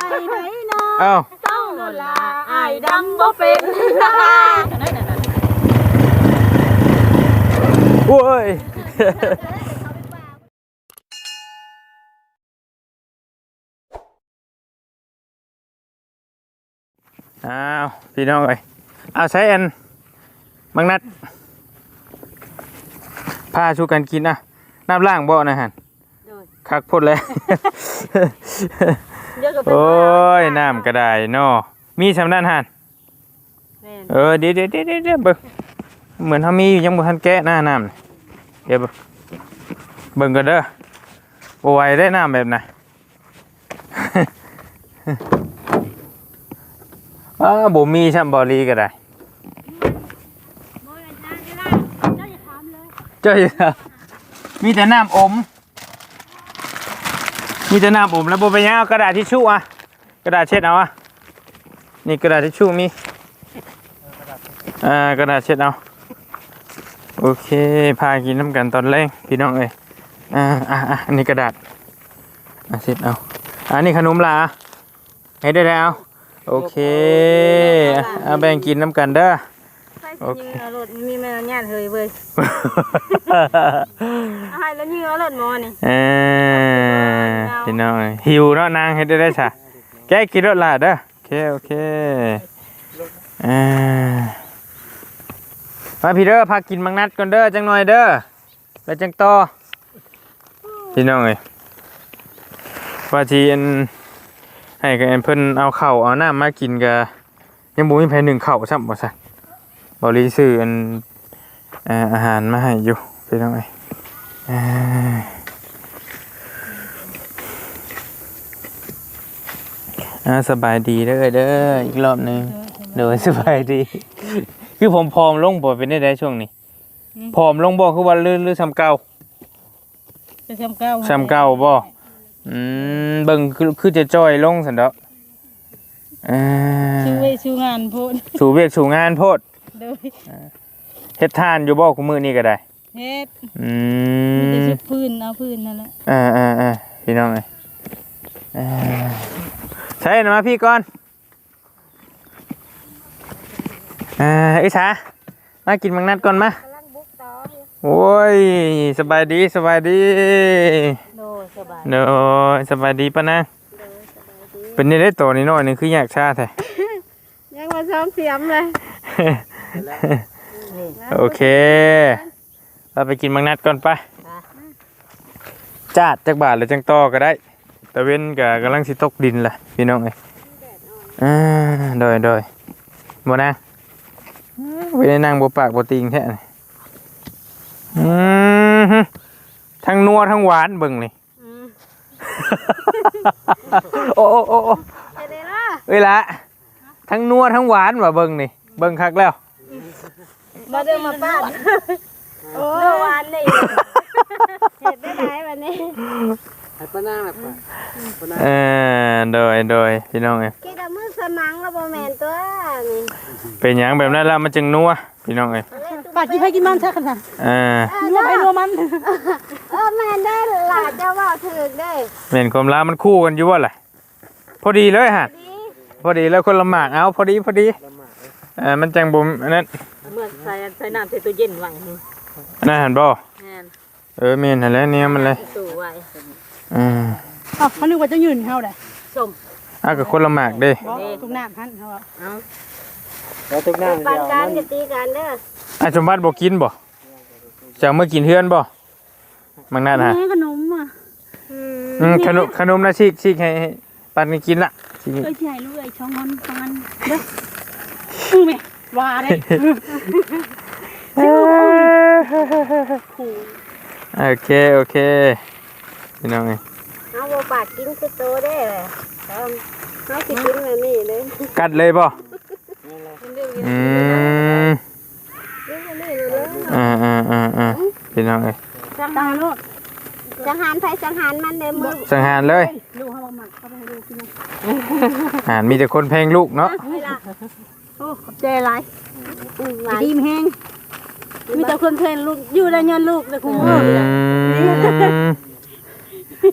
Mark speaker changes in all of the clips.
Speaker 1: ไหนเนาะ
Speaker 2: เอ้า
Speaker 1: เต้าโนลาอายดำบ่เป็น
Speaker 2: โอ้ยอ้าวพี่น้องเอ้ยเอาใช้อันบางนัดพาชูกันกินนะน้ำล่างบ่อนะฮะคักพ่นเลยโอ้ยน้ำกระไดเนาะมีสำนักหันเดี๋ยวเบิ่งเหมือนเขามีอยู่ยังบ่ทันแกะหน้าน้ำเดี๋ยวเบิ่งกันเด้อโอ้ยได้น้ำแบบไหนบ่มีช่ำบอลีก็ได้เจ้าอย่ามีแต่น้ำอมแล้วบ่ไปยังเอากระดาษทิชชู่อ่ะกระดาษเช็ดเอาอ่ะนี่กระดาษทิชชู่มีกระดาษเช็ดเอาโอเคพากินน้ำกันตอนแรกพี่น้องเอ้ยอันนี้กระดาษเช็ดเอาอันนี้ขนมลาให้ได้แล้วโอเคเอาแบ่งกินน้ำกันเด้อโอเครถมีแม่ญาติเฮยเว้ยให้แล้วยิงเอารถมอนี่พี่น้องหิวเนาะนางให้ได้ซะแกกินรถลาเด้อโอเคมาพี่เด้อพากินมังนัดก่อนเด้อจังหน่อยเด้อแล้วจังต่อพี่น้องเอ้ยว่าทีอันให้กับเพิ่นเอาข้าวเอาน้ำมากินกะยังบ่มีไผนึ่งข้าวซ้ำบ่ซั่นบ่รีซื้ออันอาหารมาให้อยู่พี่น้องเอ้ยสบายดีเด้ออีกรอบนึงโดยสบายดีคือผมผอมลงบ่เป็นได้ช่วงนี้ผอมลงบ่คือว่าลื่นซ้ำเก่าซ้ำเก่าบ่เบิ่งคือจะจ้อยลงซั่นดอก
Speaker 1: สู้งานโพด
Speaker 2: สู่เวียกสู่งานโพดโดยเฮ็ดทานอยู่บ่คุมื้อนี้ก็ได้
Speaker 1: เฮ็ดมีแต่พื้นเอาพื้นนั่นแหละ
Speaker 2: พี่น้องเอ้ยใช่นะมาพี่ก่อนอิสามากินมังนัดก่อนมาโอ้ยสบายดีโดสบายดีปะนะเป็นนี่ได้โตนี่น้อยนึงคืออยากชาแท้
Speaker 1: ยังมาซ้อมเสียมเลย
Speaker 2: โอเคเราไปกินมังนัดก่อนไปจาดจักบาทหรือจังต่อก็ได้ตะเว้นกับกำลังสิตกดินแหละพี่น้องเอ้ยโดยบ่นะไปได้นั่งบ่ปากบ่ติงแท้ทั้งนัวทั้งหวานเบิ่งนี่โอ้เอ้ยละทั้งนัวทั้งหวานว่ะเบิ่งนี่เบิ่งคักแล้ว
Speaker 1: มาเดินมาป้าโอ้หวานนี่เห็ดได้ไหมวันนี้
Speaker 3: ให้ป้านั่งหลับก่อน
Speaker 2: โดยพี่น้องเอ้ย
Speaker 1: กินแต่มื้อสมังแล้วบ่แม่นตัวนี่
Speaker 2: เป็นหยังแบบนั้นแล้วมันจึงนัวพี่น้องเอ้ย
Speaker 1: ปากกินให้กินมันซะขนาดนัวไปนัวมันแม่นได้หลาจะว่าถึกได้
Speaker 2: แม่นความรักมันคู่กันอยู่ว่าล่ะพอดีเลยฮะพอดีแล้วคนละหมากเอาพอดีมันจังบ่นั่น
Speaker 1: เมื่อใส่น้ำใส่ตู้เย็นไว้
Speaker 2: นั่นหันบ่แม่นหั่นแล้วเนี่ยมันเลย
Speaker 1: ตู้ไว้
Speaker 4: เขานึกว่าจะยืนเฮาได้
Speaker 1: ส้ม
Speaker 2: กับคนละหมากเด้
Speaker 4: ทุกน้ำท่านเขา
Speaker 3: แล้วทุกน้ำ
Speaker 1: ปานการจะตีกันเด้อ
Speaker 2: สมบัติบ่กินบ่จะเมื่อกินเฮือนบ่มังนั่นฮะ
Speaker 4: ขนมอ่ะ
Speaker 2: ขนมนะชิกให้ปันกินละ
Speaker 4: ใหญ่ลูกไอ้ช่องมันเด้อแม่ว่าได้
Speaker 2: โอเคพี่น้องเอ้ย
Speaker 1: เอาบ่ปากกินคือโตได้เอาสิกินแบบนี้เลย
Speaker 2: กัดเลยบ่พี่น้องเอ้ย
Speaker 1: สังหารลูกสังหารไผสังหารมันเด้มือ
Speaker 2: สังหารเลย
Speaker 4: ลูกเฮาบ่มักเขาไปให้ลูกกิ
Speaker 2: นมีแต่คนแพงลูกเนาะ
Speaker 4: โอ้ขอบใจหลายดีมแฮงมีแต่คนเพลนลูกอยู่ได้ย้อนลูกเลยคุณ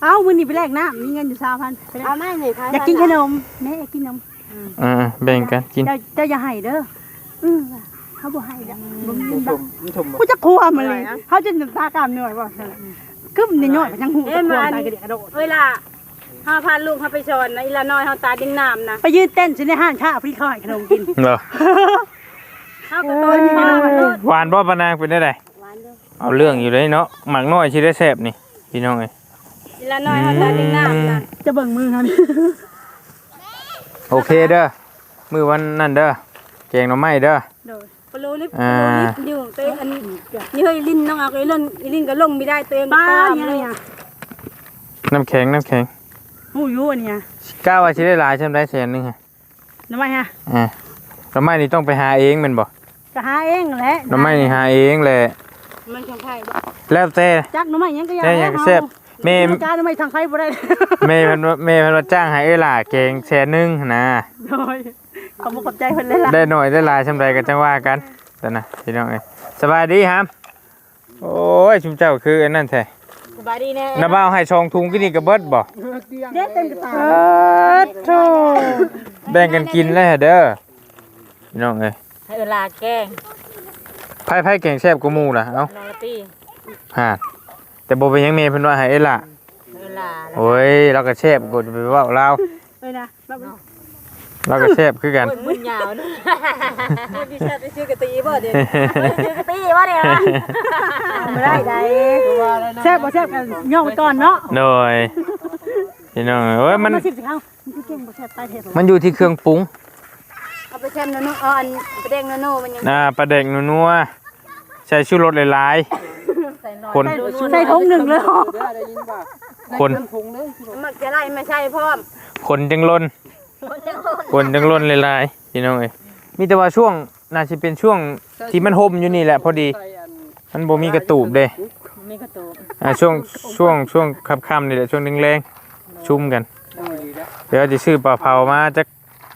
Speaker 4: เอ้ามื้อนี้ไปแลกน้ำมีเงินอยู่3,000ไปแลก
Speaker 1: เอาแม่หน่อยค่ะ
Speaker 4: อยากกินขนมแม่อยากกินนม
Speaker 2: แบ่งกันกิน
Speaker 4: เจ้าอย่าให้เด้อเขาบ่ให้ดอกบ่มี
Speaker 3: มัน
Speaker 4: ด
Speaker 3: ช
Speaker 4: อก
Speaker 3: มมันชม
Speaker 4: กูจะครัวมันเลยเขาจะตากามเหนื่อยบ่ซั่นน่ะกึ้มนี่ย่อยไปทั้งหูจะครัวตายกระเดะกระโดด
Speaker 1: เวลาเฮาพาลูกเฮาไปสอนนะอีละน้อยเฮาตาดิ้งน้ำนะ
Speaker 4: ไปยืนเต้นสิในห้างค้าพี่เขาให้ขนมกิน
Speaker 2: เหรอ
Speaker 1: เฮาก็ตัวนี้มาโลด
Speaker 2: หวานบ่ปะนางเป็นได้ได
Speaker 1: หวานเด้อ
Speaker 2: เอาเรื่องอยู่เลยเนาะหมักน้อยสิได้แซ่บนี่พี่น้องเอ้ย
Speaker 1: อีละน้อยเฮาตาดิ้งน้ำนะ
Speaker 4: จะเบิ่งมือเขานี่
Speaker 2: โอเคเด้อมื้อวันนั้นเด้อแกงหน่อไม้เด้อ
Speaker 4: โดย
Speaker 1: ปลูลิปอยู่ตัวอันนี้เฮ้ยลิ้นน้องเอาไอ้ลิ้นก็ลงไม่ได้ตัวเอง
Speaker 4: ป้า
Speaker 1: ตาม
Speaker 4: เนี่ย
Speaker 1: เลย
Speaker 4: เนี่ย
Speaker 2: น้ำแข็ง
Speaker 4: หูอยู่อันเนี่ย
Speaker 2: กล้าว่าสิได้หลายใช่ไหมแสนนึงฮะ
Speaker 4: ทำไมฮะ
Speaker 2: หน่อไม้นี่ต้องไปหาเองแม่นบ่
Speaker 4: ก็หาเองแหละ
Speaker 2: หน่อไม้นี่หาเองแหละ
Speaker 1: มันของไผ่
Speaker 2: แล้วแต่
Speaker 4: จักหน่อไม้ยังก็
Speaker 2: แต่อยากแซ่บแม่
Speaker 4: การหน่อไม้ทางไฟบ่ได้
Speaker 2: แม่เพิ่นว่าจ้างให้เอ้ยล่ะแกงแสนนึงนะ
Speaker 4: โดยขอบคุณขอบใจเพิ่นเลยล่ะ
Speaker 2: ได้หน่อยได้หลายชำใดก็จังว่ากันแต่นะพี่น้องเอ้ยสบายดีครับโอ้ยชุมเจ้าคืออันนั้นแท้
Speaker 1: สบายดีแน่
Speaker 2: น้าบ่าวให้ชองทุงกินนี่ก็เบิดบ่
Speaker 4: เด็ดเต็มกระตา
Speaker 2: โธ่แบ่งกันกินแล้วเด้อพี่น้องเอ้ย
Speaker 1: ให้เวลาแกง
Speaker 2: ไผแกงแซ่บกว่าหมู่ล่ะเอ้า
Speaker 1: นอตี้
Speaker 2: ฮะแต่บ่เป็นหยังแม่เพิ่นว่าให้เอ้ยล่ะ
Speaker 1: เวลา
Speaker 2: โอ้ยเราก็แซ่บกว่าไปเว้าลาว
Speaker 4: เลยนะ
Speaker 2: เราก็แซ่บคือกัน
Speaker 1: มึนยาวนะพี่ชาติไปซื้อกะตีบ่เดี๋ยวซื้อกะตีบ่เดี๋ยว
Speaker 4: ไม่ได้ใดแซ่บบ่แซ่บกันย่องไปก่อนเนาะ
Speaker 2: โดยพี่น้องเอ้ยมัน
Speaker 4: สิบสิเขามันคือเก่งบ่แซ่บตายเทศ
Speaker 2: มันอยู่ที่เครื่องปรุง
Speaker 1: เอาไปแช่โนอ่อนไปแดงโนมันยัง
Speaker 2: ปลาแดกนัวๆใส่ชูรสหลายๆคน
Speaker 4: ใส่ถุงหนึ่งเลยเหรอ
Speaker 3: ได้ยินป่ะ
Speaker 2: คน
Speaker 3: พุงเลย
Speaker 1: มักจะไล่ไม่ใช่พร้อม
Speaker 2: คนจังล้นคนจังล้นหลายๆพี่น้องเอ้ยมีแต่ว่าช่วงน่าจะเป็นช่วงที่มันห่มอยู่นี่แหละพอดีมันบ่มีกระตูบเด้
Speaker 1: มีกระตูก
Speaker 2: ช่วงค่ำๆนี่แหละช่วงแรงๆชุ่มกัน
Speaker 3: ดีแล้ว
Speaker 2: เดี๋ยวจะซื้อปลาเผามาจัก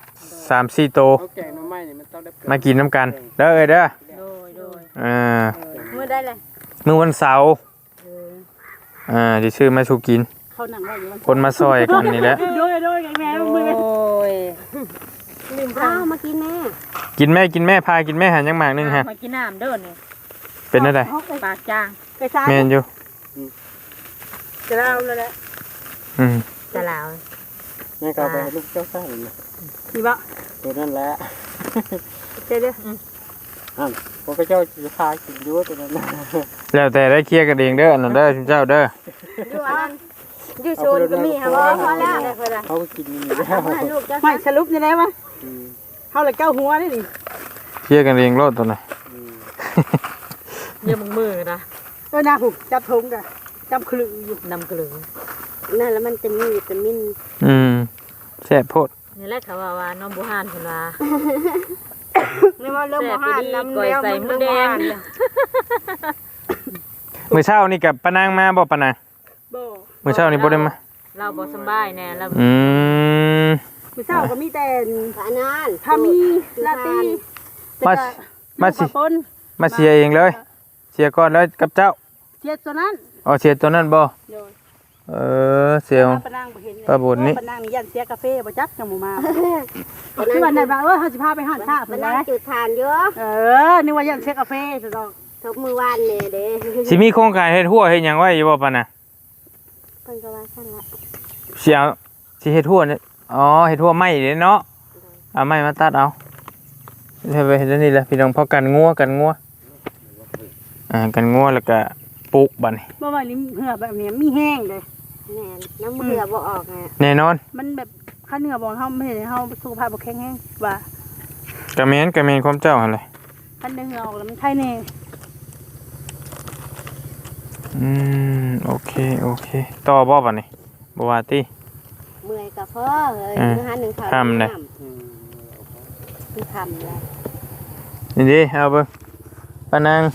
Speaker 2: 3-4โตว
Speaker 3: เขาแกงน้ำไม้เนี่ยมันต้องได้
Speaker 2: มากินน้ำกันเด้อเอ้ยเด้อ
Speaker 1: โดย
Speaker 2: มื้
Speaker 1: มือได้เลย
Speaker 2: อวันเสาร์สิซื้อมาสู่กิน
Speaker 4: เขาหนังไว้อยู่
Speaker 2: คนมาซอยกันนี่แหละ
Speaker 4: โดยแม่มือ
Speaker 1: โอ้ยลืมข้าวมากินแม่
Speaker 2: กินแม่พากินแม่หันยังหมากหนึงฮะ
Speaker 1: มากินน้ำเด้อนี่
Speaker 2: เป็นอะไร
Speaker 1: ปากจาง
Speaker 4: ไปซ้าย
Speaker 2: แม่นอยู่
Speaker 1: จะเล่าแล้วแหละ
Speaker 2: อืม
Speaker 1: จะเล่า
Speaker 3: แม่ก็เอาไปให้ลูกเจ้าสร้างนะ
Speaker 4: นี่บ่
Speaker 3: ตัวนั่นแหละ
Speaker 4: เจ๊เด้อ
Speaker 3: พวกเจ้าจะพากินด้วยตัวนั้นนะ
Speaker 2: แล้วแต่ได้เคลียร์กันเองเด้ออันนั่นเด้อคุณเจ้าเด้อ
Speaker 1: อยู่อันอยู่โซนก็มีค่ะพอแล้วได้เพิ่น
Speaker 3: เขาก็กินอยู่แล้ว
Speaker 1: ให้ลูกจะ
Speaker 4: ไม่สรุปยังไงวะเขาเลยเก้าหัวนี่ดิ
Speaker 2: เคลียร์กันเองโลดตัวน่ะ
Speaker 1: เยี่ยมมือนะ
Speaker 4: ตัวหน้าผูกจับถุงกันจับคลึงอยู่
Speaker 1: นำกลือนั่นแล้วมันจะมีวิตามิน
Speaker 2: แซ่บโพด
Speaker 1: นี่แหละเขาว่าน้องบุหานเพิ่นว่านี่ว่าเรื่องบุหานน้ำเลี้ยวมันเรื่องบุหาน
Speaker 2: มื้อเช้านี่กับปานางมาบ่ปานาง
Speaker 4: บ่
Speaker 2: มื้อเช้านี่บ่ได้มา
Speaker 1: เราบ่สบายแน่แล้ว
Speaker 4: มื้อเช้าก็มีแต่
Speaker 1: ผานาน
Speaker 4: ถ้ามีลาตี
Speaker 2: มาสิ
Speaker 4: ปน
Speaker 2: มาเสียเองเลย เสียก่อนแล้วกับเจ้า
Speaker 4: เสียตัวนั้น
Speaker 2: อ๋อเสียตัวนั้นบ่
Speaker 4: โดย
Speaker 2: เสีย
Speaker 4: ปนางบ่เห็น
Speaker 2: ป้าบุญนี่
Speaker 4: ปนางนี่ยันเสียกาแฟบ่จักจังหมู่มาคือวันนั้นว่าเฮาสิพาไปหาข้าเพิ่นได้
Speaker 1: จุดทานเยอะ
Speaker 4: นึกว่ายันเสียกาแฟซะดอก
Speaker 1: ทุกมื้อวานนี่เด้
Speaker 2: สิมีโครงการเฮ็ดหัวเฮ็ดหยังไว้อยู่บ่ปานน่ะ
Speaker 1: เพิ่นก็ว่าซั่นละ
Speaker 2: สิเอาสิเฮ็ดหัวเนี่ยอ๋อเฮ็ดหัวไม้เด้เนาะเอาไม้มาตัดเอาเฮ็ดไปเฮ็ดอันนี่แหละพี่น้องพอกันงัวกันงัวแล้วก็ปลูกบัดนี้
Speaker 4: บ่ว่านี่เหือแบบนี้มีแห้งเลย
Speaker 1: แม่น้ำมือบ่ออกไง
Speaker 2: แน่นอน
Speaker 4: มันแบบค่าเนื้อบ่เฮาไม่เห็นเฮาสุขภาพบ่แข็งแรงว่าก
Speaker 2: ระแมนความเจ้าหั่นแหละ
Speaker 4: คันเนื้อออกแล้วมันไข้แน่
Speaker 2: โอเคต่อบ่บัดนี้บ่ว่าติ
Speaker 1: เมื่อยก็พอเอ้ยมื้อหา1ข้าว
Speaker 2: ทำเลย
Speaker 1: คือทำแล้ว
Speaker 2: นี่ดิเอาเบิ่งปานาง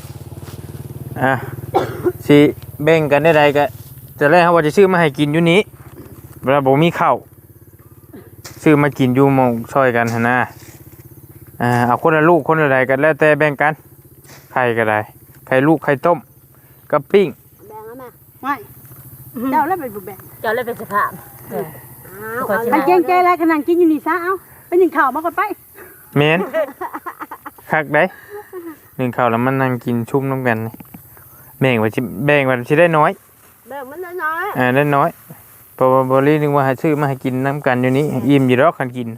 Speaker 2: สิแบ่งกันได้ใดก็จะแรกเฮาว่าจะซื้อมาให้กินอยู่นี้เวลาบ่มีข้าวซื้อมากินอยู่หม้องซอยกันหั่นนะเอาคนละลูกคนละใดกันแล้วแต่แบ่งกันไข่ก็ได้ไข่ลูกไข่ต้มกับปิ้ง
Speaker 1: แบ่งเอามา
Speaker 4: ไม่เจ้าแล้วไปบุแบ่ง
Speaker 1: เจ้าเลยเป็นสภาพ
Speaker 4: มันเก่งใจแล้วขนาดกินอยู่นี่ซะเอ้าไปนึ่งข้าวมาก่อนไป
Speaker 2: แม่นคักได้นึ่งข้าวแล้วมันนั่งกินชุ่มน้ำกันนี่แบ่งว่าสิได้น้อย
Speaker 1: แบบมันน้อย
Speaker 2: ได้น้อยเพราะว่าบรินึงว่าให้ซื้อมาให้กินน้ำกันอยู่นี้อิ่มอยู่รอกคันกิน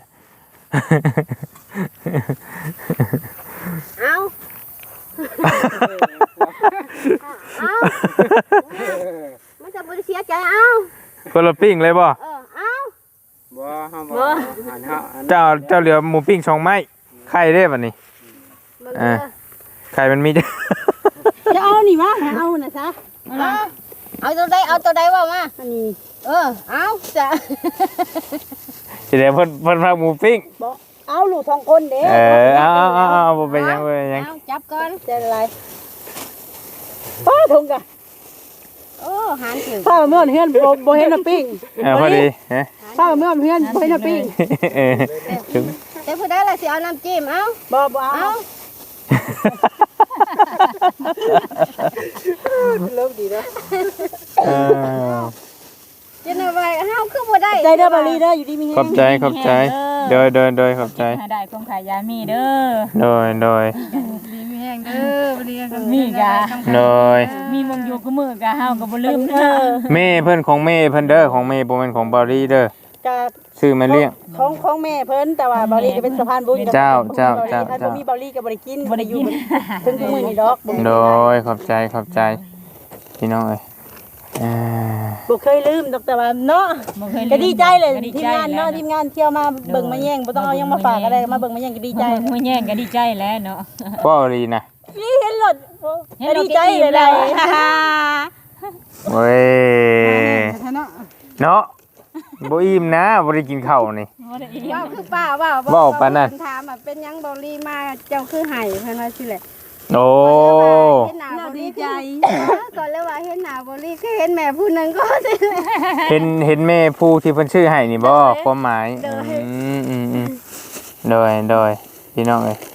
Speaker 1: เอามันจะบริเสียใจเอา
Speaker 2: คนละปิ้งเลยบ่
Speaker 1: เอา
Speaker 3: บ่ห้ามบ่อันเฮาอัน
Speaker 2: เจ้าเหลือหมูปิ้ง2ไม้ไข่ได้บัดนี้ไข่มันมี
Speaker 4: จะเอานี่มาเอาน่ะซะ
Speaker 1: เอาตัวใดว่ามา
Speaker 4: อันนี้
Speaker 1: เอาจะ
Speaker 2: สิได้เพิ่นพาหมูปิ้ง
Speaker 4: บ่เอาลูก2คนเด้
Speaker 2: เอาบ่เป็นหยังบ่เป็นหยัง
Speaker 1: เอาจับก่อน
Speaker 4: จะอะไรป้าทงกะ
Speaker 1: โอ้หันถึง
Speaker 4: ป้าเมื่อเฮือนบ่เห็นน้ำปิ้ง
Speaker 2: พอดีฮะ
Speaker 4: ป้าเมื่อเฮือนบ่เห็นน้ำปิ้ง
Speaker 2: ถึง
Speaker 1: แต่ผู้ใดล่ะสิเอาน้ำจิ้มเอา
Speaker 4: บ่เอา เริ่มดีแล้ว
Speaker 1: จะนำไปเฮาคือบ่ได้
Speaker 4: ใจเด้อบาลีเด้ออยู่ดีมี
Speaker 2: ขอบใจโดยขอบใจ
Speaker 5: ได้คงขายยามีเด้อ
Speaker 2: โดย
Speaker 1: มีแห้งเด้อบ่ดีกัน
Speaker 5: มีกะ
Speaker 2: โดย
Speaker 5: มีมงอยู่ก็มือกะเฮาก็บ่ลืมเด้อ
Speaker 2: แม่เพิ่นของแม่เพิ่นเด้อของแม่บ่แม่นของบารีเด้อ
Speaker 4: จะ
Speaker 2: ซื้อมาเลี้ยง
Speaker 4: ของแม่เพิ่นแต่ว่าบาลีก็เป็นสะพานบุญถ้าบ่มีบาลีก็บ่ได้กินบ่ได้อยู่ถึงมื้อนี้ดอก
Speaker 2: โดยขอบใจพี่น้องเอ้ย
Speaker 4: บ่เคยลืมดอกแต่ว่าเนาะ
Speaker 5: บ่เคยลืม
Speaker 4: ก็ดีใจเลย
Speaker 5: ก็ดี
Speaker 4: ทีม
Speaker 5: ใจ
Speaker 4: งานเนาะทีมงานเที่ยวมาเบิ่งมาแย่งบ่ต้องเอายังมาฝากอะไรมาเบิ่งมาแย่งก็ดีใจ
Speaker 5: มื้อแย่งก็ดีใจแล้วเนาะ
Speaker 2: บ่รีนะ
Speaker 4: นี่เห็นรถก็ดีใจเลยได้
Speaker 2: เว้ยเนาะบ่อิ่มนะบ่ได้กินข้าวนี่
Speaker 5: บ่ได้อีก
Speaker 1: ว่าคือป้าว่า
Speaker 2: เว้าปานนั้น
Speaker 1: ถามเป็นหยังบ่รีมาเจ้าคือไห้เพิ่นว่าสิแหละ
Speaker 2: โอ้
Speaker 1: เห็นหน้าบ่รี
Speaker 4: ดีใจ
Speaker 1: ก่อนเลยว่าเห็นหน้าบ่รีคือเห็นแม่ผู้หนึงก็สิแหละ
Speaker 2: เห็นแม่ผู้ที่เพิ่นชื่อให้นี่บ่ความหมายโดยพี่น้องเอ้ย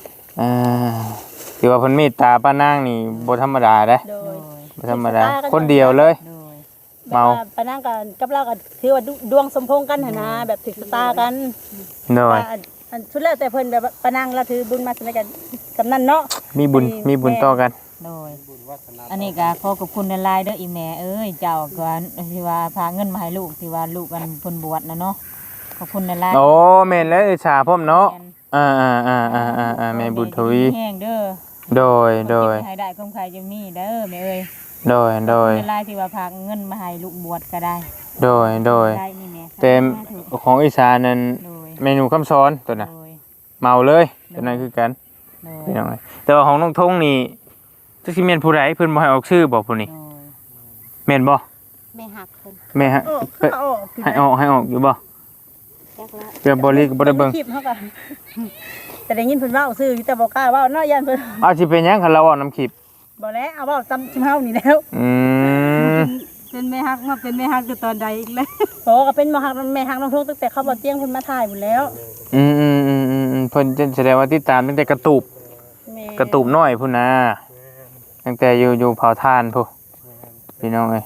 Speaker 2: ถือว่าเพิ่นเมตตาป้านางนี่บ่ธรรมดาเด้
Speaker 4: โดย
Speaker 2: บ่ธรรมดาคนเดียวเลย
Speaker 5: โดย
Speaker 2: เมา
Speaker 4: ปะนั่งกับเราก็ถือว่าดวงสมพงษ์กันหั่นนะแบบถึกชะตากัน
Speaker 2: โดย
Speaker 4: อันสุดแล้วแต่เพิ่นแบบปะนั่งเราถือบุญมาสมัยกันกับนั่นเนาะ
Speaker 2: มีบุญต่อกัน
Speaker 5: โดยอันนี้ก็ขอขอบคุณหลายๆเด้ออีแม่เอ้ยเจ้าก็ที่ว่าพาเงินมาให้ลูกที่ว่าลูกกันเพิ่นบวชนะเนาะขอบคุณหลายๆ
Speaker 2: โอ้แม่นแล้วอิจฉาพ่อมเนาะ
Speaker 5: แม่น
Speaker 2: แม่บุญทวี
Speaker 5: แห้งเด้อ
Speaker 2: โดย
Speaker 5: ให้ได้คงขายอยู่นี่เด้อแม่เอ้ย
Speaker 2: โดย
Speaker 5: หลายๆที่ว่าพาเงินมาให้ลูกบวชก็ได้
Speaker 2: โดย
Speaker 5: ได้นี่แม่
Speaker 2: เต็มของอีสานนั้น
Speaker 5: โดย
Speaker 2: เมนูคำสอนตัวน่ะ
Speaker 5: โดย
Speaker 2: เมาเลยตัวนั้นคือกัน
Speaker 5: โดย
Speaker 2: พี่น้องเอ้ยแต่ว่าของน้องทงนี่จักสิแม่นผู้ใดเพิ่นบ่ให้ออกชื่อบ่ผู้นี้
Speaker 5: โดย
Speaker 2: แม่นบ่
Speaker 1: แม่หักเพิ่น
Speaker 2: แม่ฮะให้ออกอยู่บ่
Speaker 1: จักละ
Speaker 2: เดี๋ยวบ่ลีก็บ่ได้เบิ่ง
Speaker 4: คลิปเฮาก็แต่ได้ยินเพิ่นเว้าซื่อแต่บ่กล้าเว้าเนาะยันเพิ่น
Speaker 2: เอาสิเป็นหยังคันเราเอาน้ำคลิป
Speaker 4: บ่แล้วเอาเว้าซ้ำชิมเฮานี่แล้ว
Speaker 1: เป็นแม่ฮักมาเป็นแม่ฮักอยู่ตอนใดอีกแล้ว
Speaker 4: โอ้ก็เป็นแม่ฮักน้องทุกตั้งแต่เขาบ่เตียงเพิ่นมาถ่ายพุ่นแล้ว
Speaker 2: เพิ่นจะแสดงว่าติดตามตั้งแต่กระตูบ
Speaker 4: แม่
Speaker 2: กระตูบน้อยพุ่นนะตั้งแต่อยู่เผาทานพุ่นพี่น้องเอ้ย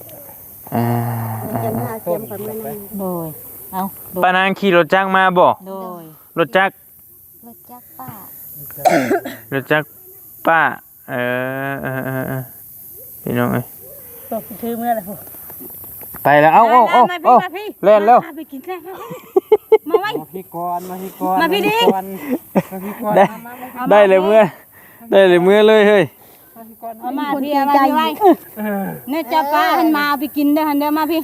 Speaker 1: จะมาเสียมกันมื้อนั้น
Speaker 5: โดยเอาโดย
Speaker 2: ป้านางขี่รถจักรมาบ่
Speaker 5: โดย
Speaker 2: รถจักร
Speaker 1: รถจักรป้าร
Speaker 2: ถจักรป้าพี่น้องเอ้ย
Speaker 4: ตกถือมื้อละพุ่น
Speaker 2: ไปแล้วเอ้าเล่นแล้ว
Speaker 4: ไปกินแซ่มาไว้
Speaker 3: มาพี่ก่อน
Speaker 4: มาพี่ดิ
Speaker 2: ได้เลยเมื่อเลยเฮ้ย
Speaker 1: เอามาพี่เอามาพี่ไว้เนี่ยจะป้าหันมาเอาไปกินเด้อหันเด้อมาพี่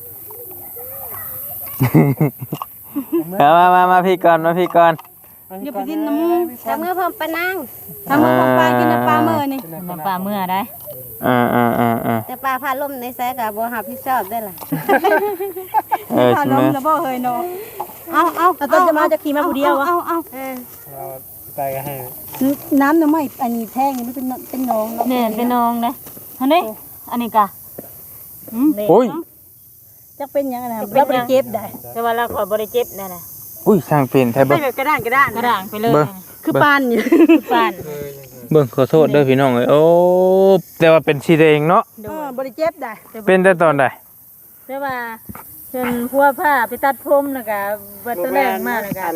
Speaker 2: มาพี่ก่อน
Speaker 1: อย่าไปกินน้ำมูกแต่เมื่อพร้อมปะนาง
Speaker 4: ทำของปลากินปลาเมื่อนี่
Speaker 5: น้ำปลาเมื่อได้
Speaker 1: แต่ป้าพาล่มในสายก็บ่รับผิดชอบได้ล่ะ
Speaker 4: ถ้าล้มแล้วบ่เฮยเนาะเอาต้นจะมาจะขี่มาผู้เดียววะ
Speaker 1: เอา
Speaker 3: เราไปกันให้
Speaker 4: น้ำน้ำไม่อันนี้แท่งนี่มันเป็นน้อง
Speaker 5: เนี่ยเป็นน้องนะอันนี้อันนี้กะ
Speaker 2: โอ้ย
Speaker 4: จะเป็นยังไงนะเราไปเก็บได้
Speaker 5: แต่ว่าเราขอบ่ได้เจ็บนั่นน่ะ
Speaker 2: อุ้ยสร้างเป็นไทย
Speaker 4: ไม่
Speaker 2: เบิ่ง
Speaker 4: แบบกระด้าง
Speaker 5: กระด่างไปเลย
Speaker 2: เบิ่ง
Speaker 4: คือปานอยู่
Speaker 5: ปาน
Speaker 2: เบิ่งขอโทษเด้อพี่น้องเอ้ยโอ้แต่ว่าเป็นสีแดงเนาะ
Speaker 4: บ่ได้เจ็บได้
Speaker 2: เป็นแต่ตอนใด
Speaker 5: แต่ว่าเพิ่นพัวผ้าไปตัดผมน่ะก็บ่ตะแรงมากน่ะก็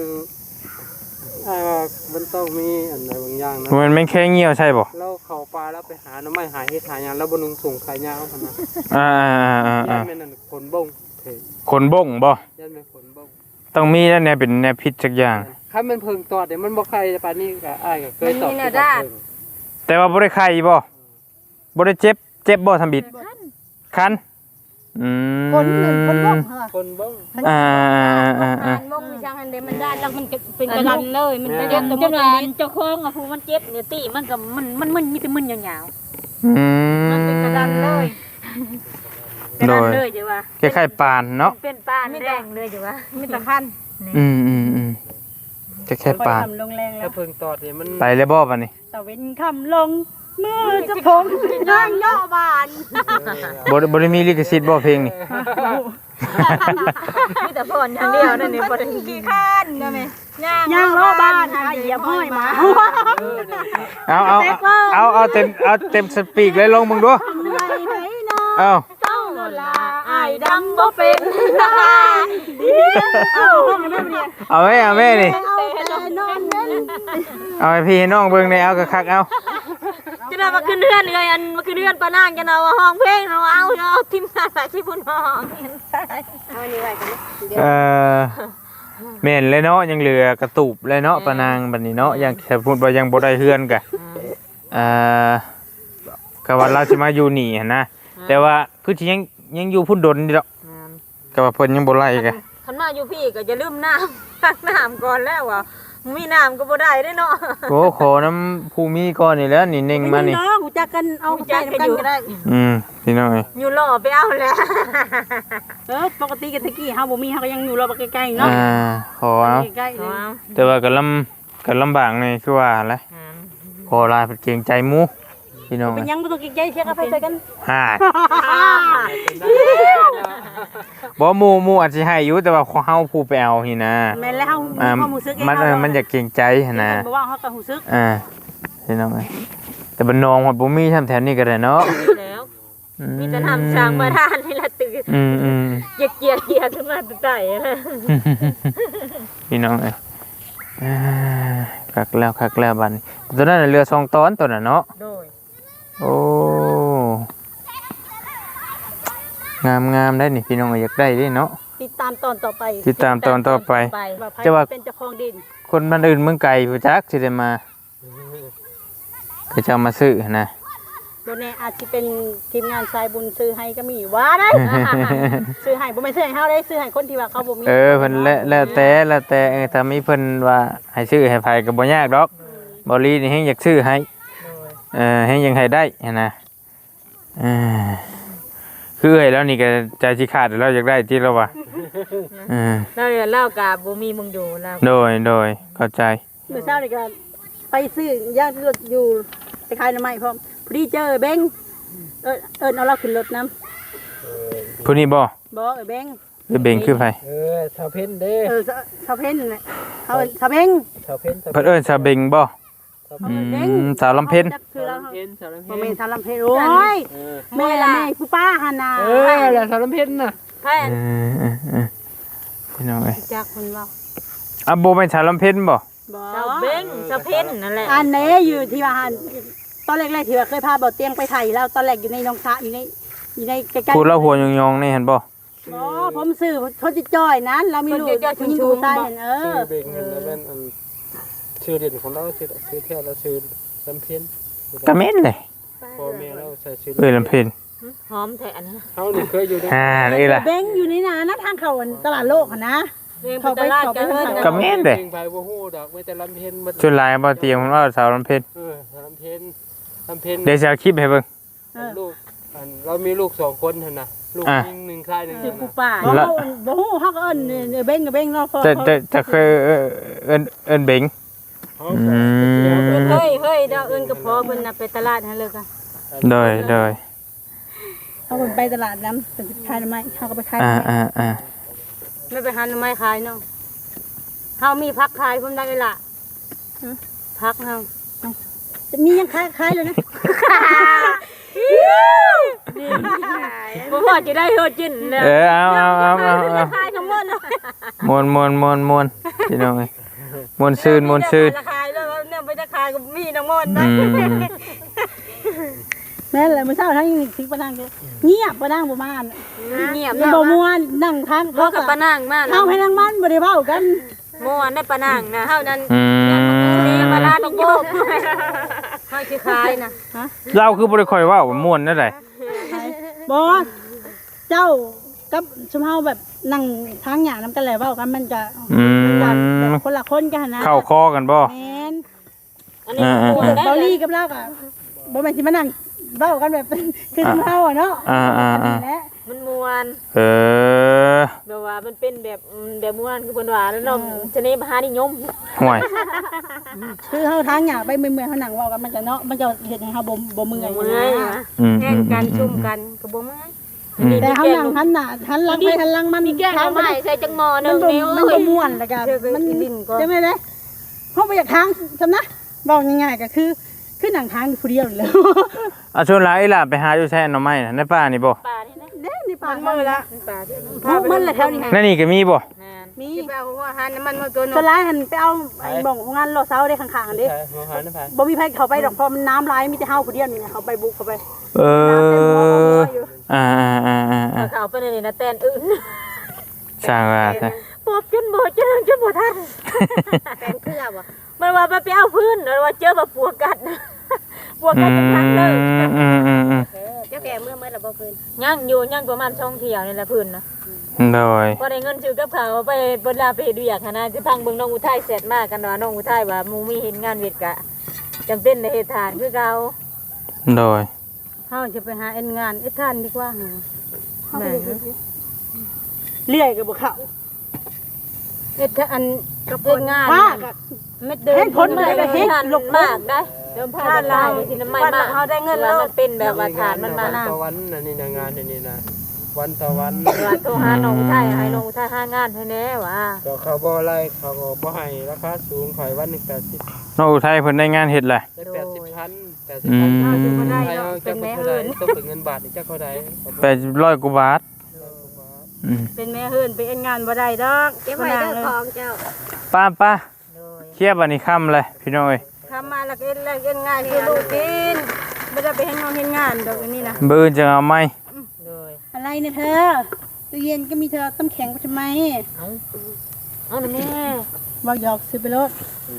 Speaker 3: มันต้องมีอันใดบางอย่างนะ
Speaker 2: มันแม่งแค่เหี่ยวใช่บ่
Speaker 3: เราเข้าป่าแล้วไปหาหน่อไม้หาเฮ็ดหาหยังแล้วบ่นุงส่งขายยาวหั่นนะ
Speaker 2: อ่า
Speaker 3: ยันแม่นนั่นขนบงเถิด
Speaker 2: ขนบ่งบ่
Speaker 3: ยันแม่นขนบง
Speaker 2: ต้องมีแล้วเนี่ยเป็นแนวพิษสักอย่าง
Speaker 3: คันมันเพิ่งตอดเนี่ยมันบ่ใครปานนี้ก็อ้ายก็เคยตอด
Speaker 2: แต่ว่าบ่ได้ไข้บ่บ่ได้เจ็บบ่ทำบิดคัน
Speaker 4: คนบ่งเหรอ
Speaker 3: คนบง
Speaker 2: อ่า
Speaker 1: มงช่างอันเดมันได้แล้วมันเป็นกระดันเลยมันจะเจ็บ
Speaker 5: จังว่าเจ้าของอ่ะผู้มันเจ็บเนี่ยติมันก็มันมีแต่มึนยาว
Speaker 1: มันเป็นกระดันเลย
Speaker 5: ๆกระดานเลยจ้ะว่า
Speaker 2: คล้ายๆปานเนาะ
Speaker 5: เป็นปานแดงเลยจ้ะว่า
Speaker 1: มีแต่คัน
Speaker 2: คล้ายๆปาน
Speaker 4: ทำลงแรงแล้
Speaker 3: ถ้าว เพิ่งตอดเนี่ยมัน
Speaker 2: ไปเลยบ่บัดนี้
Speaker 4: ตะเว้นคำลงมือจะผมย่างย่อบาน
Speaker 2: บ่ได้มีลิขสิทธิ์บ่เพลงนี่
Speaker 5: มีแต่พรอย่างเดียวนั่นนี่บ่ได้
Speaker 1: กี่คันนะแม่
Speaker 4: ย่างล้อบานหาเหยียบห้อยมา
Speaker 2: เอาเต็มสปีกเลยลงมึงดูเอา
Speaker 1: อ้ายดำบ่เป็น
Speaker 2: เอาแม่นี่
Speaker 4: แต่นอนเล่น
Speaker 2: เอาให้พี่ให้น้องเบิ่งในเอาคักๆเอา
Speaker 5: จะได้มาขึ้นเรือนเลยอันมาขึ้นเรือนปานางกันเอาห้องเพลงเอาทีมงานหลายที่พุ่นห้อง
Speaker 1: เอานี่ไว้กัน
Speaker 2: แม่นเลยเนาะยังเหลือกระตูบเลยเนาะปานางบัดนี้เนาะยังถ้าพูดว่ายังบ่ได้เฮือนกะก็ว่าเราสิมาอยู่นี่หั่นนะแต่ว่าคือสิยังอยู่พุ่นดนนี่ดอกก็ว่าเพิ่นยังบ่ไล่กะ
Speaker 5: คันมาอยู่พี่ก็จะลืมน้ำตักน้ำก่อนแล้วว่ามีน้ำก็บ่ได้เด้เนาะ
Speaker 2: โอ้ขอน้ำภูมิก่อนนี่แหล้วนี่เน่งมานี่
Speaker 4: น้องกูจักกันเอาใจกันก็ได้
Speaker 2: พี่น้องเอ้ย
Speaker 5: อยู่รอไปเอาแล้ว
Speaker 4: ปกติกันตะกี้เฮาบ่มีเฮาก็ยังอยู่รอใกล้ๆเนาะ
Speaker 2: ขอเอา
Speaker 4: ใกล้ๆ
Speaker 2: แต่ว่าก็ลำบากนี่คือว่าแหละขอลาเป็นเกรงใจหมู่พี่น้อง
Speaker 4: เป็นยังบ่ต้องใกล้ๆเสียกาแฟใส่กัน
Speaker 2: ฮ่าบ่หมู่อาจสิให้อยู่แต่ว่าเฮาผู้ไปเอานี่นะ
Speaker 4: แม่นแล้วเฮามีความรู้สึก
Speaker 2: มันอยากเกรงใจหั่นนะ
Speaker 4: บ่ว่าเฮาก็รู้สึก
Speaker 2: พี่น้องเอ้ยแต่บ้านนองฮอดบ่มีทำแถวนี้ก็ได้เนาะ
Speaker 5: แล้วมีแต่ทำช้างมาทานนี่ละตื่นเกียกขึ้นมาตื่นใจนะ
Speaker 2: พี่น้องเอ้ยคักแล้วบัดนี้ตัวนั้นเรือ2ตอนตัวน่ะเนาะ
Speaker 5: โดย
Speaker 2: โอ้งามได้นี่พี่น้องอยากได้ดิเนาะ
Speaker 4: ติดตามตอนต่อไป
Speaker 2: ติดตามตอนต่อไป
Speaker 4: จะว่าเป็นเจ้าของดิน
Speaker 2: คนบ้านอื่นเมืองไกลผู้จักสิได้มาก็จะเอามาซื้อนะ
Speaker 4: บ่แน่อาจสิเป็นทีมงานสายบุญซื้อให้ก็มีว่าได้ซื้อให้บ่แม่นซื้อให้เฮาได้ซื้อให้คนที่ว่าเขาบ่มี
Speaker 2: เพิ่นแล้วแต่ถ้ามีเพิ่นว่าให้ซื้อให้ไผก็บ่ยากดอกบ่ลีนี่เฮงอยากซื้อให้เฮงยังให้ได้นะคือเอ้ยแล้วนี่ก็ใจสิขาดแล้วอยากได้ที่แล้วว่ะ
Speaker 5: แล้วเล่ากับบ่มีมึงอยู่แล้ว
Speaker 2: โดยเข้าใจ
Speaker 4: เมื่อเช้านี่ก็ไปซื้อย่างรถอยู่ไปขายหน่อไม้พร้อมพอดีเจอเบ้งเอาเราขึ้นรถนำ
Speaker 2: ผู้นี้บ่
Speaker 4: บ่เบ้ง
Speaker 2: คือเบ่งคือไผ
Speaker 3: ชาวเพ็ญเด้
Speaker 4: ชาวเพ็ญนั่นแหละเขาชาวเบ้ง
Speaker 3: ชาวเพ็ญ
Speaker 2: เพิ่นเอิ้นซาเบ่งบ่สาวลำเพ็ญ
Speaker 4: คือเรา
Speaker 3: ชาวลำ
Speaker 4: บ่
Speaker 3: เพ็ญ
Speaker 4: แม่นชาวลำเพ็ญโอ้ยแม่ละแม่ผู้ป้าหั่นน่ะ
Speaker 3: แหละชาวลำเพ็ญน่ะ
Speaker 5: แพ่
Speaker 2: พี่น้องเอ้ย
Speaker 4: จักเพิ่นว่า
Speaker 2: บ่แม่นสาวลำเพ็ญบ่
Speaker 4: บ่
Speaker 5: เจ้าเบ้งเจ้าเพ่นนั่นแหละ
Speaker 4: อันนี้อยู่ที่ว่าหั่นตอนแรกๆที่ว่าเคยพาบ่เตียงไปไทยแล้วตอนแรกอยู่ในหนองสระอยู่ในใกล้ๆ
Speaker 2: พูดแล้วหัวยองๆนี่เห็นบ่
Speaker 4: อ๋อผมซื้อเขาจะจ้อยนั้นเรามีลูกผู้หญิงผู้ชายเห็น
Speaker 3: ชื่อเบ่งแล้วแม่นอันชื่อเด่นของเราชื่อแท้แล้วชื่อลำเพ็ญ
Speaker 2: กะเม็ดเลย
Speaker 3: พ่อแม่เราใช้ชื่อ
Speaker 2: ลำเพ็ญ
Speaker 5: หอมแท้อันนั้น
Speaker 3: เฮานี่เคยอยู่ใน
Speaker 2: นี่ล่ะ
Speaker 4: เบ้งอยู่ในนะทางเขาตลาดโลกนะ
Speaker 5: เรื่องตลาดกันเฮิรน
Speaker 2: กะเม็ดเลย
Speaker 3: จริงไปบ่ฮู้ดอกไม่แต่ลำเพ็ญ
Speaker 2: ชุดลายบ่เตรียมว่าสาวลำเพ็ญ
Speaker 3: ลำเพ็ญลำเพ็ญ
Speaker 2: เดี๋ยวจะเอาคลิปให้เบิ่ง
Speaker 3: ลูกเรามีลูก2คนหั่นน่ะลูกยิง1ชาย1
Speaker 4: คือผู้ป้าบ่ฮู้เฮาก็เอิ้นเบ้งกับเบ้งเนาะ
Speaker 2: จะเคยเอิ้นเบง
Speaker 5: เฮ้ยดาวเอิ้นกับพ่อเพิ่นน่ะไปตลาดให้เลยค่ะ
Speaker 2: โดย
Speaker 4: เฮาไปตลาดน้ำเป็นขายไม้เฮาก็ไปขาย
Speaker 5: ไม่ไปหาหน่อไม้ขายเนาะเฮามีพักขายเพิ่นได้ล่ะพักเฮา
Speaker 4: จะมียังคล้ายๆเลยนะ
Speaker 5: บ่พอจะได้โหจินแล้ว
Speaker 2: เอา
Speaker 1: คายทั้งหมดเลย
Speaker 2: มวนพี่น้องเอ้ยมวนซื่น
Speaker 1: จะคายแล้วเนี่ยไปจะคายกับมีน้ำมันนะ
Speaker 4: แม่นแหละมื้อเช้าทั้งสิปะนางเงียบปะนางบ่มา
Speaker 1: เงียบ
Speaker 4: บ่ม่วนนั่งทาง
Speaker 1: เพราะกับปะนางมาก
Speaker 4: เฮาให้นางมันบ่ได้เว้ากัน
Speaker 1: ม่วนได้ปะนางนะเฮานั้น
Speaker 2: นี่
Speaker 1: ปลาลาต้องโยกให้คือคายนะ
Speaker 2: เราคือบ่ได้ค่อยเว้าว่าม่วนนั่นแหละ
Speaker 4: บ่เจ้ากับชุมเฮาแบบนั่งทางหญ้านำกันแล้วเว้ากันมันจะคนละคนกันนะ
Speaker 2: เข้าคอกันบ่
Speaker 4: แม่น
Speaker 1: อันนี้ม่วนได้
Speaker 4: เบาลี่กับเราก็บ่แม่นสิมานั่งเว้ากันแบบคือชุมเฮาอ่ะเนาะ
Speaker 2: ๆ
Speaker 4: และ
Speaker 1: มันม่วน แบบว่ามันเป็นแบบม่วนคือเพิ่นว่าแล้วเนาะชนิดมหานิยม
Speaker 2: ห่วย
Speaker 4: คือเฮาทางหญ้าไปเมื่อยๆเฮานั่งเว้ากันมันจะเนาะมันจะเฮ็ดให้เฮาบ่เมื่อย
Speaker 1: เมื่อย แข่งกันชุ่มกันก็บ่เมื่อย
Speaker 4: แต่เฮานั่งหันหน้าหันหลังไปหันหลังมัน
Speaker 1: มีแก้วใหม่ใส่จังหมอ
Speaker 4: มัน
Speaker 1: นึง
Speaker 4: บ่มันบ่ม่วนแล้วก็มันจังได๋เด้เฮาบ่อยากทางซำนะบอกง่ายๆก็คือนั่งทางอยู่ผู้เดียวนี่แหละ
Speaker 2: ชวนหลายล่ะไปหาอยู่แท้หน่อไม้น่ะในป่านี่บ่
Speaker 1: ป่านี่นะ
Speaker 4: เด้นี่ปาก
Speaker 1: มือละป่าที่
Speaker 4: มันแหละแถวนี้
Speaker 2: นั่นนี่ก็มีบ่
Speaker 4: มี
Speaker 1: ที่ป่าหัวหันมันมาตัว
Speaker 4: สลายหันไปเอาไอ้บ่องของงานรอเซาได้ข้างๆอันนี้
Speaker 3: ใช่หัวหันนะพัน
Speaker 4: บ่มีไผเข้าไปดอกเพราะมันน้ำไหลมีแต่เฮาผู้เดียวนี่นะเขาไปบุกเข้าไป
Speaker 1: เขาไปนี่นะแตนอื่น
Speaker 2: ช่างว่าซะ
Speaker 1: ปอบจนบ่เจอจนบ่ทันแตนเครือบ่มันว่าไปเอาพื้นแล้วว่าเจอแบบปวกกัดปวกกัดจังทันเลย เจ้าแก่เมื่อละบ่พื้นย่างอยู่ย่างประมาณ2เที่ยวนี่แหละพื้นนะ
Speaker 2: โดย
Speaker 1: พอได้เงินซื้อกับข้าวไปเวลาไปเฮ็ดเวียกนะจะพังเบิ่งน้องอุทัยเสร็จมากันว่าน้องอุทัยว่าหมู่มีเห็นงานเวทกะจำเป็นในเฮ็ดทานคือเก่า
Speaker 2: โดย
Speaker 4: เฮาจะไปหาเอ็นงานเอ็ดท่านดีกว่าแม่เลื่อยก็บ่เข้า
Speaker 1: เฮ็ดอันกับเฮ็ดงาน
Speaker 4: ว่าก็
Speaker 1: เม็ดเดินผลมาได้เฮ็ดลงมากได้เดิมผ่านลายสิน้ำไม้มากเฮาได้เงินแล้วมันเป็นแบบว่าฐานมันมา
Speaker 3: ตะวันนี่นะงานนี่นะวันตะวัน
Speaker 1: ว่าโทรหาน้องอุทัยให้น้องอุทัยหางานให้แน่ว่า
Speaker 3: ก็เขาบ่ไล่เขาก็บ่ให้ราคาสูงข่อยวัน180
Speaker 2: น้องอุทัยเพิ่นได้งานเฮ็ดแหละ
Speaker 3: ได้80,000ให้เอาจักเท่าใดต้องเป็นเงินบาทนี่จักเท่าใด
Speaker 2: 800กว่าบาท
Speaker 4: เป็นแม่เฮือนไปเอ็นงานบ่ได้ดอก
Speaker 1: เก็บไว้เด้อของเจ้า
Speaker 2: ป้าเคลียร์บัดนี้ค่ำเลยพี่น้องเอ้ย
Speaker 4: ทำมาแล้วก็เอ็นงานคือลูกกินไม่ได้ไปเฮ็ดงานเฮ็ดงานดอกอันนี้นะ
Speaker 2: มื้อจะเอาไหม
Speaker 4: อะไรเนี่ยเธอตู้เย็นก็มีเธอต้มแข็งไปทำไม
Speaker 1: เอาหน่อยแม่
Speaker 4: บอกหยอกซื้อไปรถ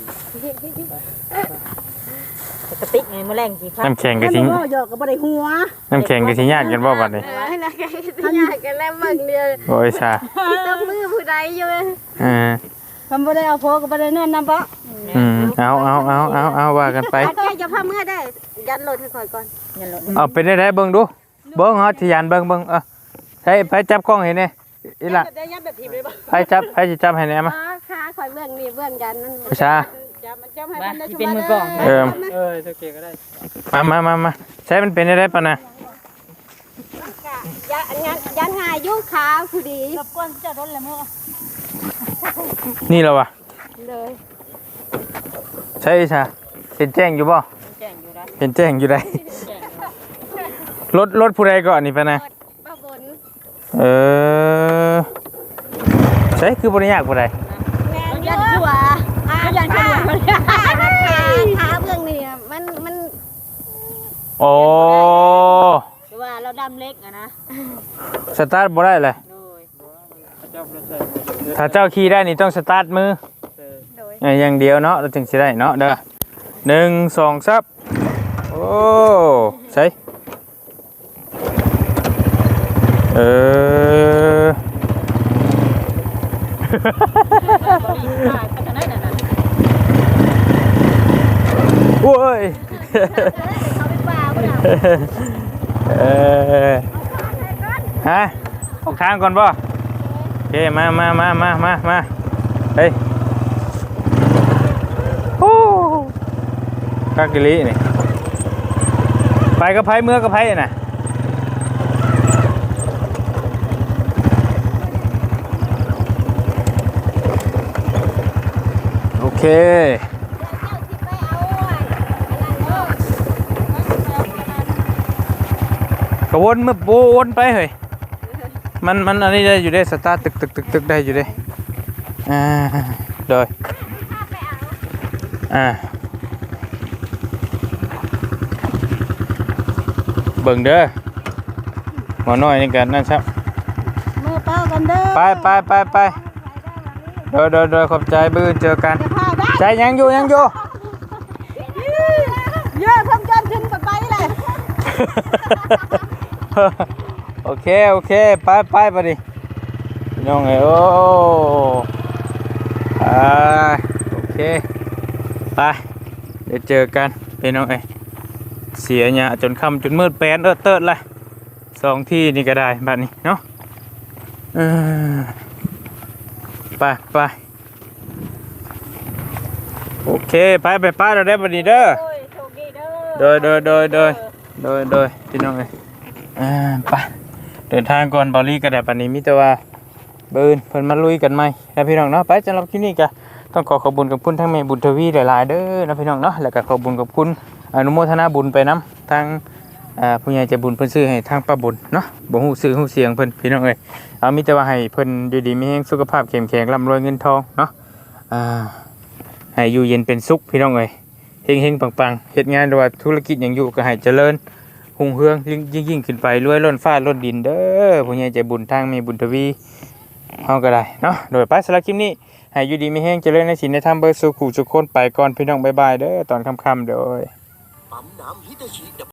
Speaker 1: กระติกไงแมลงกี่พัน
Speaker 2: น้ำแข็งก็
Speaker 4: ถ้า
Speaker 2: สิ
Speaker 4: บอกหยอกก็บ่ได้หัว
Speaker 2: น้ำแข็งก็สิญาติกันบ่บัดนี้
Speaker 1: ให้นะแกยากกันแล้วมึงเดียว
Speaker 2: โอ้ยชา
Speaker 1: ต้องมือผู้ใดอยู่
Speaker 4: ทำบ่ได้เอาโพก็บ่ได้นอนนำบ่
Speaker 2: เอาว่ากันไป
Speaker 1: แกจะพาเมื่อได้ยันรถให้คอยก่อนยันรถ
Speaker 2: เอาเป็นได้เบิ่งดูเบิ่งเฮาสิยานเบิ่งไปจับกล้องให้แน่อีหล่ะ
Speaker 4: ได้ยับแบบทีเลยบ่
Speaker 2: ไปสิจับให้แน่มา
Speaker 1: ค่ะคอยเบื้องนี่เบื้องยันนั่น
Speaker 2: ชา
Speaker 4: จับมันจับให้มันได้
Speaker 5: ที่เป็นมือกลอง
Speaker 3: โอเคก็ได้
Speaker 2: มาใช้มันเป็นได้ปะนะ
Speaker 1: ยันหายยุ่งขาวผู้ดี
Speaker 4: รบกวนเจ้ารถแล้วมื้อ
Speaker 2: นี่เหรอวะ
Speaker 1: เลย
Speaker 2: ใช่ชาเห็นแจ้งอยู่บ่
Speaker 5: แจ้งอยู่ได้
Speaker 2: เห็นแจ้งอยู่ได้รถผู้ใดก่อนนี่ปะนะ
Speaker 1: ป้าบน
Speaker 2: ใช่คือบริยากผู้ใด
Speaker 1: ยันหัวยันหัวขาเบื้องนี่มัน
Speaker 2: โอ้
Speaker 1: ว่าเราดำเล็กอะนะ
Speaker 2: สตาร์ทบ่ได้เลย
Speaker 1: โดย
Speaker 2: ถ้าเจ้าขี่ได้นี่ต้องสตาร์ทมืออย่างเดียวเนาะเราถึงสิได้เนาะเด้อ1 2 3โอ้ใช่โอ้ยฮะออกทางก่อนบ่โอเคมาเฮ้ยโอ้กากะลินี่ไปกับไผเมื่อกับไผน่ะโอเคก็วนมือวนไปเฮ้ยมันอันนี้ได้อยู่ได้สตาร์ทตึกได้อยู่ได้โดยเบิ่งเด้อหมอน้อยนี่กันนั่นครับ
Speaker 4: มือเป้ากันเด้อ
Speaker 2: ไปโดยขอบใจบื้อเจอกันใจยังอยู่
Speaker 4: เยอะทำจนขึ้นไปเลย
Speaker 2: โอเคไปไปดิน้องเอ้ยโอ้โอเคไปเดี๋ยวเจอกันพี่น้องเอ้ยเสียเนี่ยจนค่ำจนมืดแปนเติร์ดเลย2 ที่นี่ก็ได้แบบนี้เนาะไปโอเคไปเราได้บัดนี้เด้อ
Speaker 1: โอ้ยโชคดีเด้อ
Speaker 2: โดยพี่น้องเอ้ยไปเดินทางก่อนบอลลี่ก็ได้บัดนี้มิแต่ว่าเบิ่นเพิ่นมาลุยกันใหม่แล้วพี่น้องเนาะไปสำหรับคลิปนี้ก็ต้องขอขอบคุณกับคุณทั้งแม่บุญทวีหลายๆเด้อนะพี่น้องเนาะแล้วก็ขอบคุณกับคุณอนุโมทนาบุญไปนํทางผู้ใหญ่ใจบุญเพิ่นซื้อให้ทางป้าบุญเนาะบ่ฮู้ชื่อฮู้เสียงเพิ่นพี่น้องเอ้ยเอามีแต่ว่าให้เพิ่นอยู่ดีมีแรงสุขภาพเข้มแข็งร่ำรวยเงินทองเนาะให้อยู่เย็นเป็นสุขพี่น้องเอ้ยเฮงๆปังๆเฮ็ดงานหรือว่าธุรกิจหยังอยู่ก็ให้เจริญหุ่งเฮืองยิ่งขึ้นไปรวยล้นฟ้าล้นดินเด้อผู้ใหญ่ใจบุญทางแม่บุญทวีเฮาก็ได้เนาะโดยไปสำหรับคลิปนี้ให้อยู่ดีมีแรงเจริญในศีลในธรรมเบิดสู่ขู่ทุกคนไปก่อนพี่น้องบ๊ายบายเด้อตอนค่ำๆโดย